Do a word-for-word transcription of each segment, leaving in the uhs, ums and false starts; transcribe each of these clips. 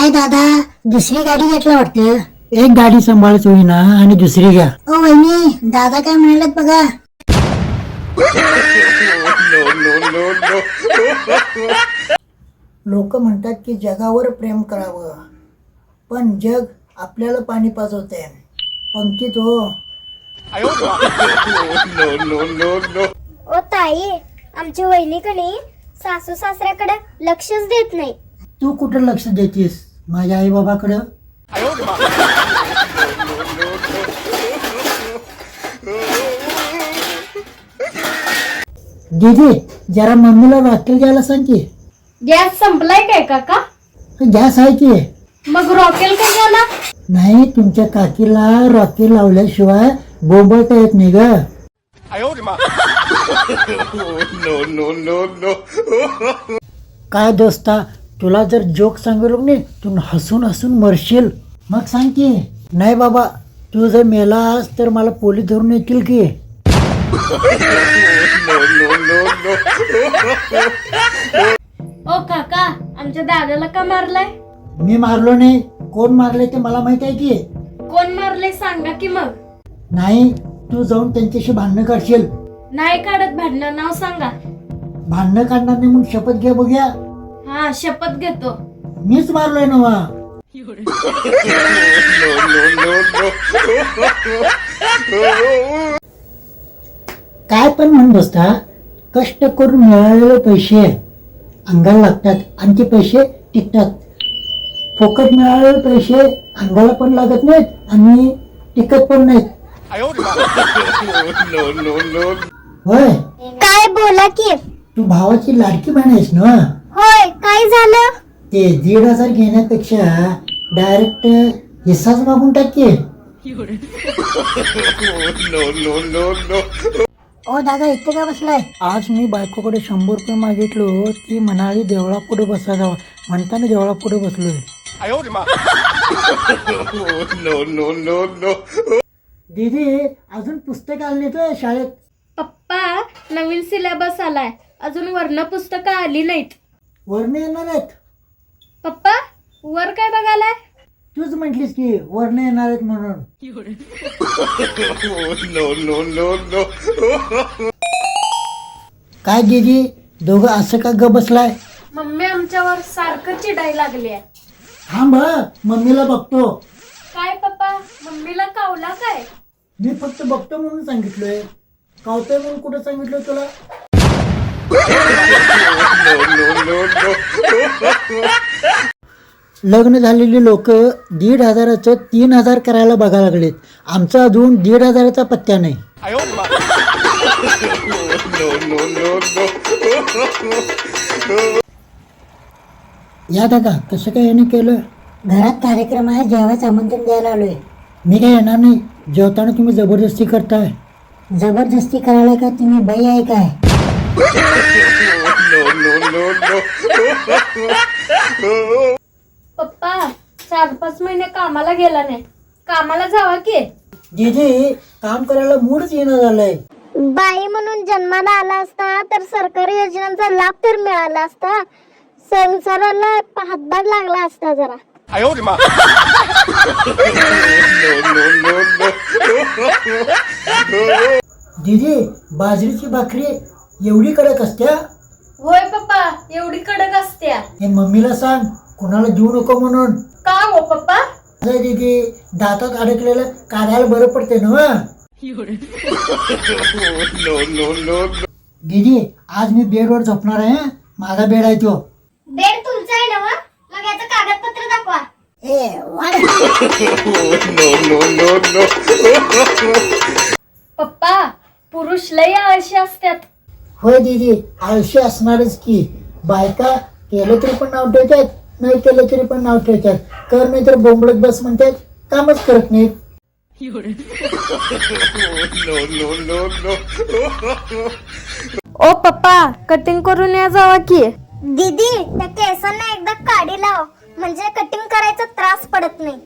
काय दादा दुसरी गाडी घेतला वाटतं. एक गाडी सांभाळच होईना आणि दुसरी घ्या. ओ वहिनी दादा काय म्हणालेत बघा. लोक म्हणतात की जगावर प्रेम करावं, पण जग आपल्याला पाणी पाजवते. पंक्तीत हो. ओ ताई, आमची वहिनी कणी सासू सासऱ्याकडे लक्षच देत नाही. तू कुठं लक्ष देतीस माझ्या आई बाबाकडं? दीदी जरा मम्मीला रॉकेल घ्यायला सांग की. गॅस संपलाय काय काका? गॅस आहे की. मग रॉकेल कशाला? नाही, तुमच्या काकीला रॉकेल लावल्याशिवाय बोंबळता येत नाही ग. काय दोस्ता, तुला जर जोक सांगितलं नाही तू हसून हसून मरशील. मग सांग की. नाही बाबा, तू जर मेलास तर मला पोलीस धरून येतील की. ओ काका, आमच्या दादाला का मारलाय? मी मारलो नाही. कोण मारले ते मला माहित आहे की. कोण मारले सांगा की मग. नाही, तू जाऊन त्यांच्याशी भांडणं करशील. नाही काढत भांडणं, नाव सांगा. भांडणं काढणार नाही म्हणून शपथ घे बघूया. हा, शपथ घेतो. मीच मारलोय नवा. काय पण म्हण बसता, कष्ट करून मिळालेले पैसे अंगाला लागतात आणि ते पैसे टिकतात. फुकट मिळालेले पैसे अंगाला पण लागत नाहीत आणि टिकत पण नाहीत. होय, काय बोला की. तू भावाची लाडकी बहीण आहेस ना. होय, काय झालं? ते दीड हजार घेण्यापेक्षा डायरेक्ट हिस्साच मागून टाक की. ओ दादा इथे का बसलाय. आज मी बायकोकडे शंभर रुपये मागितलो. ती म्हणाली देवळा पुढे बसा जावा, म्हणताना देवळा पुढे बसलोय. दीदी अजून पुस्तक आली नाही शाळेत. पप्पा, नवीन सिलेबस आलाय, अजून वर्ण पुस्तकं आली नाहीत. वर्ण येणार आहेत. पप्पा, वर काय बघायलाय? तूच म्हटलीस की वर्ण येणार आहेत म्हणून. काय दीदी दोघं असं का ग बसलाय? मम्मी आमच्यावर सारखं चिडाय लागली आहे. थांब हं, मम्मीला बघतो. काय पप्पा, मम्मीला कावला काय? मी फक्त बघतो म्हणून सांगितलोय. कावतोय म्हणून कुठं सांगितलं तुला? लग्न झालेली लोक दीड हजाराचं तीन हजार करायला बघायला लागलेत. आमचा अजून दीड हजाराचा पत्त्या नाही. या दादा, कसं काय याने केलं? घरात कार्यक्रम आहे, जेवायचं आमंत्रण द्यायला आलोय. मी काय येणार नाही. जेवताना तुम्ही जबरदस्ती करताय. जबरदस्ती करायला का तुम्ही बाई आहे काय? पप्पा, चार पाच महिने कामाला गेला नाही, कामाला जावा की. दीदी काम करायला मूडच येणं झालंय. बाई म्हणून जन्माला आला असता तर सरकारी योजनांचा लाभ तर मिळाला असता. संसाराला हातभार लागला असता जरा. दीदी बाजरीची भाकरी एवढी कडक असत्या? होय पप्पा, एवढी कडक असत्या. हे मम्मीला सांग कोणाला देऊ नको म्हणून. का हो पप्पा? अरे दीदी, दातात अडकलेलं काढायला बरं पडते ना. दीदी आज मी बेडवर झोपणार आहे. हं? माझा बेड आहे तो. बेड तुमचा आहे ना? मग याचं कागदपत्र दाखवा. ए वाढ. पप्पा, पुरुष लय आळशी असतात. होय दीदी, आळशी असणारच की. बायका केलं तरी पण नाव ठेवतात, नाही केलं तरी पण नाव ठेवतात. कर नाही तर बोंबलत बस म्हणतात, कामच करत नाहीत. ओ पप्पा, कटिंग करून या जावा की. दीदी, त्या केसांना एकदा काढी लाव, म्हणजे कटिंग करायचा त्रास पडत नाही.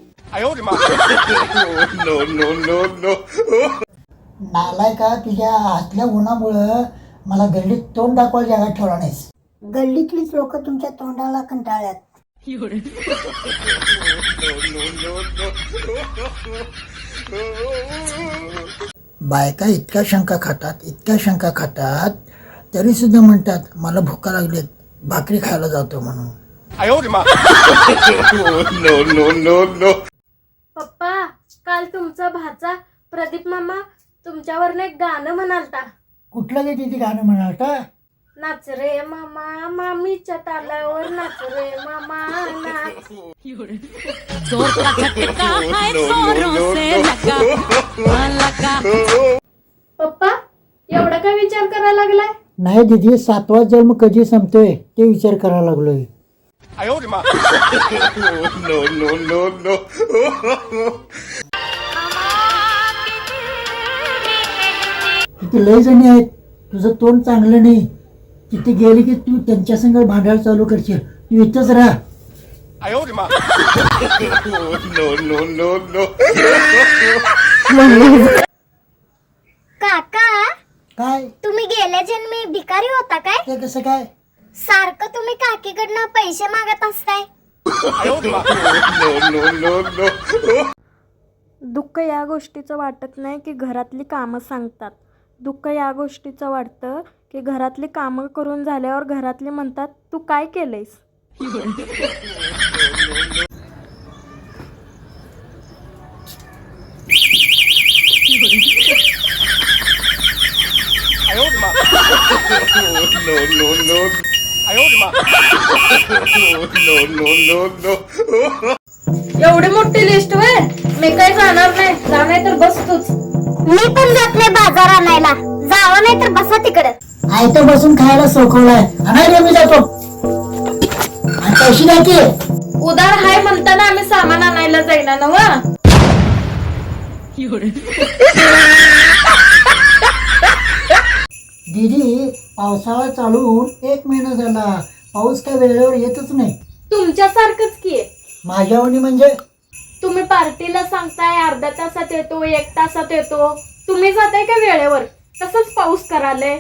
नालाय का, तुझ्या हातल्या उन्हामुळं मला गल्लीत तोंड दाखवायला जागा ठेवला नाहीस. गल्लीतलीच लोक तुमच्या तोंडाला कंटाळ्यात. बायका इतक्या शंका खातात इतक्या शंका खातात तरी सुद्धा म्हणतात मला भुका लागलीत भाकरी खायला जातो म्हणून. पप्पा काल तुमचा भाचा प्रदीप मामा तुमच्यावरनं एक गाणं म्हणालता. कुठलं गे तिथे गाणं म्हणालता? नाच रे मामा मामीच्या तालावर नाच रे मामा नाच. जोर का झटका है जोरों से लगा लगा. पप्पा एवढा काय विचार करायला लागलाय? नाही दीदी सातवा जन्म कधी संपतोय ते विचार करायला लागलोय. तिथे लय जणी आहेत तुझं तोंड चांगलं नाही तिथे गेली की तू त्यांच्या संग भांडायला चालू करशील तू इथंच राहा. काका काय तुम्ही गेल्या जन्मी भिकारी होता काय? ते कसं काय? सारखं तुम्ही काकीकडनं पैसे मागत असताय. दुःख या गोष्टीचं वाटत नाही की घरातली कामं सांगतात. दुःख या गोष्टीचं वाटतं की घरातली कामं करून झाल्यावर घरातली म्हणतात तू काय केलंयस. एवढी मोठी लिस्ट होय? मी काय जाणार नाही. जा नाही तर बस तूच. मी पण जात नाही बाजार आणायला. जावं नाही तर बसा तिकडं. आयतं बसून खायला सोखवलाय आणायला मी जातो आणि पैसे द्या की. उदार हाय म्हणताना आम्ही सामान आणायला जाईना नव. दीदी पावसाळा चालू होऊन एक महिना झाला पाऊस काय वेळेवर येतच नाही. तुमच्यासारखंच की. माझ्यावणी म्हणजे तुम्ही पार्टीला सांगताय अर्ध्या तासात येतो एक तासात येतो. तुम्ही जाताय का वेळेवर? तसंच पाऊस कराले.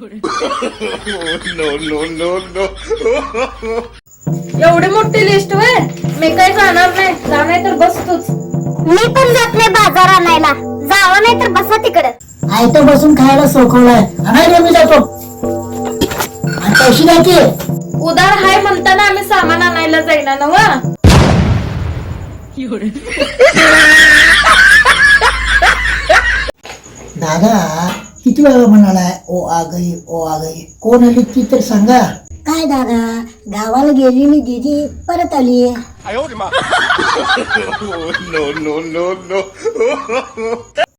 एवढी मोठी लिस्ट होय? मी काय जाणार नाही. जा नाही तर बस तूच. मी पण जात नाही बाजार आणायला. जावं नाही तर बसा तिकडं. आयतं बसून खायला सोखवलाय आणायला मी जातो आणि पैसे द्या की. उदार हाय म्हणताना आम्ही सामान आणायला जाईना नव. दादा किती वेळा म्हणालाय ओ आ गई ओ आ गई कोण आली ती तर सांगा. काय दादा गावाला गेलेली दीदी परत आली.